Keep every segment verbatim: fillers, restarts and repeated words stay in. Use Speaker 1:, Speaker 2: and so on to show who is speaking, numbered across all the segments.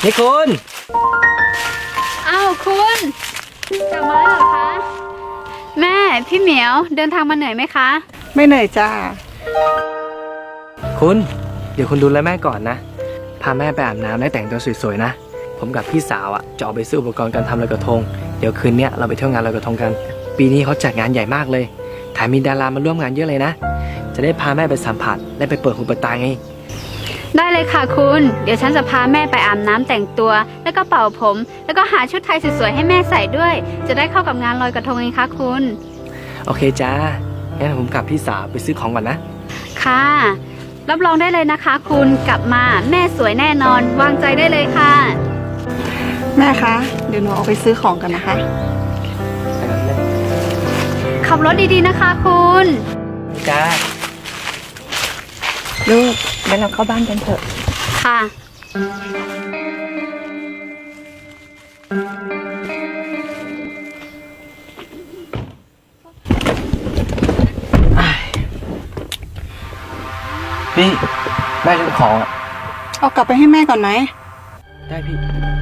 Speaker 1: นี่คุณ
Speaker 2: อ้าวคุณกลับมาแล้วเหรอคะแม่พี่เหมียวเดินทางมาเหนื่อยไหมคะ
Speaker 3: ไม่เหนื่อยจ้า
Speaker 1: คุณเดี๋ยวคุณดูแลแม่ก่อนนะพาแม่ไปอาบน้ำและแต่งตัวสวยๆนะผมกับพี่สาวอ่ะจะออกไปซื้ออุปกรณ์การทำลอยกระทงเดี๋ยวคืนนี้เราไปเที่ยวงานลอยกระทงกันปีนี้เขาจัดงานใหญ่มากเลยแถมมีดารามาร่วมงานเยอะเลยนะจะได้พาแม่ไปสัมผัสและไปเปิดหูเปิดตาไง
Speaker 2: ได้เลยค่ะคุณเดี๋ยวฉันจะพาแม่ไปอาบน้ำแต่งตัวแล้วก็เป่าผมแล้วก็หาชุดไทยสวยๆให้แม่ใส่ด้วยจะได้เข้ากับงานลอยกระทงไงคะคุณ
Speaker 1: โอเคจ้างั้นผมกับพี่สาวไปซื้อของก่อนนะ
Speaker 2: ค่ะรับรองได้เลยนะคะคุณกลับมาแม่สวยแน่นอนวางใจได้เลยค่ะ
Speaker 3: แม่คะเดี๋ยวหนูออกไปซื้อของกันนะคะ
Speaker 2: ขับรถดีๆนะคะคุณ
Speaker 1: จ้า
Speaker 3: ลูกงั้นเราเข้าบ้านกันเถอะ
Speaker 2: ค่ะ
Speaker 1: พี่แม่ลืมของอ่ะ
Speaker 3: เอากลับไปให้แม่ก่อนไหม
Speaker 1: ได้พี่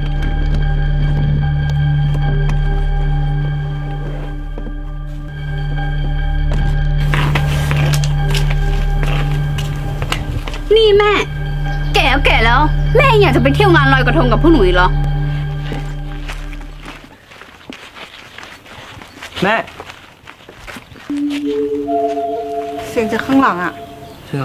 Speaker 2: นี่แม่แก่แล้วแก่แล้วแม่อยากจะไปเที่ยวงานลอยกระทงกับพวกหนูอีกเหรอ
Speaker 1: แม่
Speaker 3: เสียงจากข้างหลังอ่ะ
Speaker 1: เชื่อ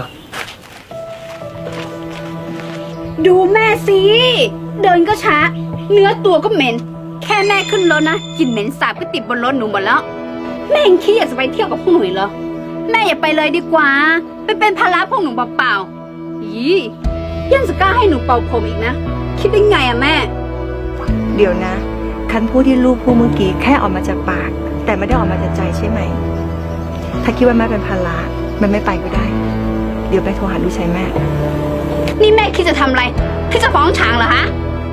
Speaker 2: ดูแม่สิเดินก็ช้าเนื้อตัวก็เหม็นแค่แม่ขึ้นรถนะกลิ่นเหม็นสาบก็ติดบนรถหนูหมดแล้วแม่ยังคิดอยากจะไปเที่ยวกับพวกหนูเหรอแม่อย่าไปเลยดีกว่าไปเป็นภาระพวกหนูเปล่าๆยี่ยังจะกล้าให้หนูเป่าผมอีกนะคิดได้ไงอะแม่
Speaker 3: เดี๋ยวนะคันพูดที่ลูกพูดเมื่อกี้แค่ออกมาจากปากแต่ไม่ได้ออกมาจากใจใช่ไหมถ้าคิดว่าแม่เป็นภาระมันไม่ไปก็ได้เดี๋ยวไปโทรหาลูกชายแม่
Speaker 2: นี่แม่คิดจะทำอะไรคิดจะฟ้องช้างเหรอฮะ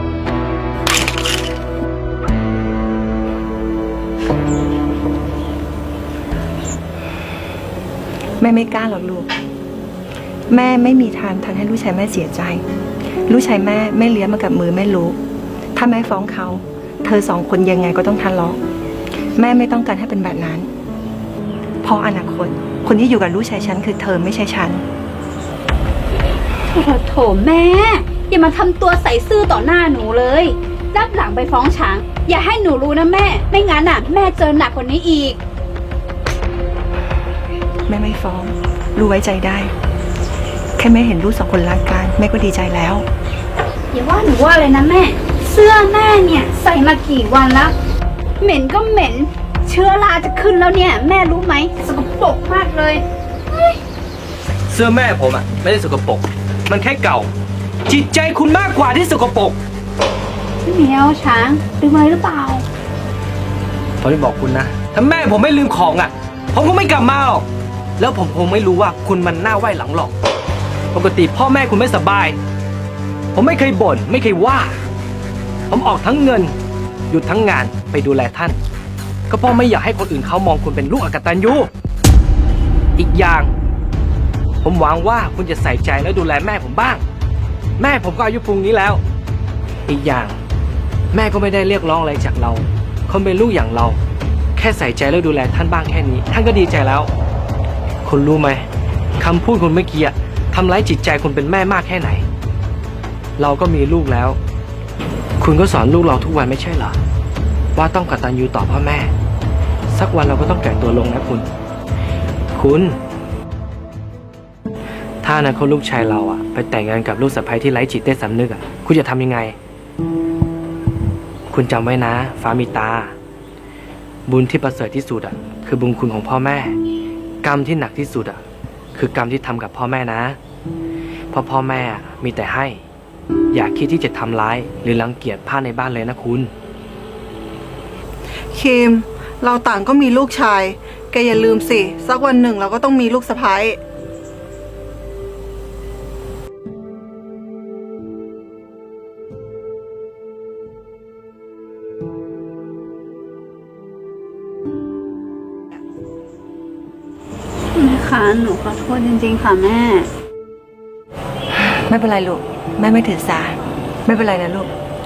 Speaker 3: แม่ไม่กล้าหรอกลูกแม่ไม่มีทางทำให้ลูกชายแม่เสียใจลูกชายแม่ไม่เลี้ยงมากับมือแม่รู้ถ้าแม่ฟ้องเขาเธอสองคนยังไงก็ต้องทะเลาะแม่ไม่ต้องการให้เป็นแบบนั้นเพราะอนาคตคนที่อยู่กับลูกชายฉันคือเธอไม่ใช่ฉัน
Speaker 2: โถโถแม่อย่ามาทำตัวใส่ซื่อต่อหน้าหนูเลยรับหลังไปฟ้องช้างอย่าให้หนูรู้นะแม่ไม่งั้นน่ะแม่เจอหนักกว่านี้อีก
Speaker 3: แม่ไม่ฟ้องรู้ไว้ใจได้แค่แม่เห็นลูกสองคนรักกันแม่ก็ดีใจแล้ว
Speaker 2: อย่าว่าหนูว่าเลยนะแม่เสื้อแม่เนี่ยใส่มากี่วันแล้วเหม็นก็เหม็นเชื้อราจะขึ้นแล้วเนี่ยแม่รู้ไหมสกปรกมากเลย
Speaker 1: เสื้อแม่ผมอ่ะไม่ได้สกปรกมันแค่เก่าจิตใจคุณมากกว่าที่สกปรก
Speaker 2: พี่เหมียวช้างลืมอะไรหรือเปล่า
Speaker 1: ผมจะบอกคุณนะถ้าแม่ผมไม่ลืมของอ่ะผมก็ไม่กลับมาหรอกแล้วผมคงไม่รู้ว่าคุณมันหน้าไหว้หลังหลอกปกติพ่อแม่คุณไม่สบายผมไม่เคยบ่นไม่เคยว่าผมออกทั้งเงินหยุดทั้งงานไปดูแลท่านก็เพราะไม่อยากให้คนอื่นเขามองคุณเป็นลูกอกตัญญูอีกอย่างผมหวังว่าคุณจะใส่ใจและดูแลแม่ผมบ้างแม่ผมก็อายุปูนนี้แล้วอีกอย่างแม่ก็ไม่ได้เรียกร้องอะไรจากเราคนเป็นลูกอย่างเราแค่ใส่ใจและดูแลท่านบ้างแค่นี้ท่านก็ดีใจแล้วคุณรู้ไหมคำพูดคุณเมื่อกี้ทำร้ายจิตใจคุณเป็นแม่มากแค่ไหนเราก็มีลูกแล้วคุณก็สอนลูกเราทุกวันไม่ใช่เหรอว่าต้องกตัญญูต่อพ่อแม่สักวันเราก็ต้องแก่ตัวลงนะคุณคุณถ้าอนาคตลูกชายเราอะไปแต่งงานกับลูกสะใภ้ที่ไร้จิตใต้สำนึกอะคุณจะทำยังไงคุณจำไว้นะฟ้ามีตาบุญที่ประเสริฐที่สุดอะคือบุญคุณของพ่อแม่กรรมที่หนักที่สุดอะคือกรรมที่ทำกับพ่อแม่นะเพราะพ่อแม่มีแต่ให้อย่าคิดที่จะทำร้ายหรือรังเกียจผ้าในบ้านเลยนะคุณ
Speaker 3: คิมเราต่างก็มีลูกชายแกอย่าลืมสิสักวันหนึ่งเราก็ต้องมีลูกสะใภ้
Speaker 2: แม่คะหนูขอโทษจริงๆค่ะแม่
Speaker 3: ไม่เป็นไรลูกแม่ไม่ถือสาไม่เป็นไรนะลูก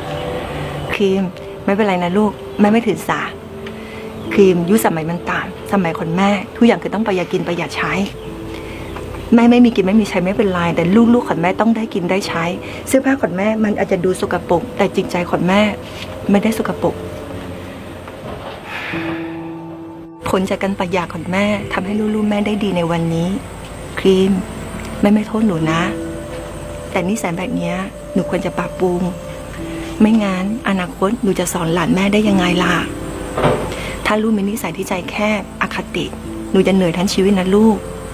Speaker 3: รีมไม่เป็นไรนะลูกแม่ไม่ถือสาครีมยุคสมัยมันต่างสมัยคนแม่ทุกอย่างคือต้องประหยัดกินประหยัดใช้แม่ไม่มีกินไม่มีใช้ไม่เป็นไรแต่ลูกๆของแม่ต้องได้กินได้ใช้เสื้อผ้าของแม่มันอาจจะดูสกปรกแต่จิตใจของแม่ไม่ได้สกปรกผลจากการประหยัดของแม่ทำให้ลูกๆแม่ได้ดีในวันนี้ครีมแม่ไม่โทษหนูนะแต่นิสัยแบบนี้หนูควรจะปรับปรุงไม่งั้นอนาคตหนูจะสอนหลานแม่ได้ยังไงล่ะถ้าลูกมีนิสัยที่ใจแคบอคติหนูจะเหนื่อยทั้งชีวิตนะลูก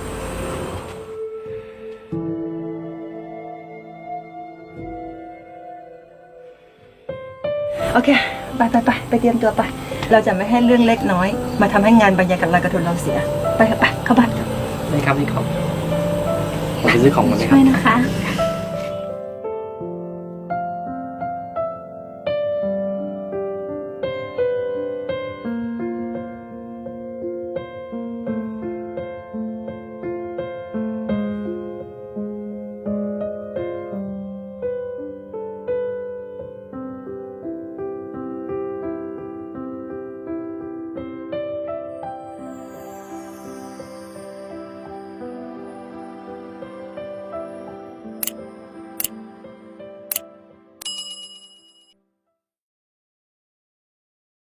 Speaker 3: โอเคไปไปไปไปเตรียมตัวไปเราจะไม่ให้เรื่องเล็กน้อยมาทำให้งานบรรยากาศลอยกระทงเราเสียไปเถอะไปเข้าบ้าน
Speaker 1: นี่ครับนี่ครับผมไปซื้อของมาไหมครั
Speaker 2: ช่
Speaker 1: บ
Speaker 2: วยนะคะ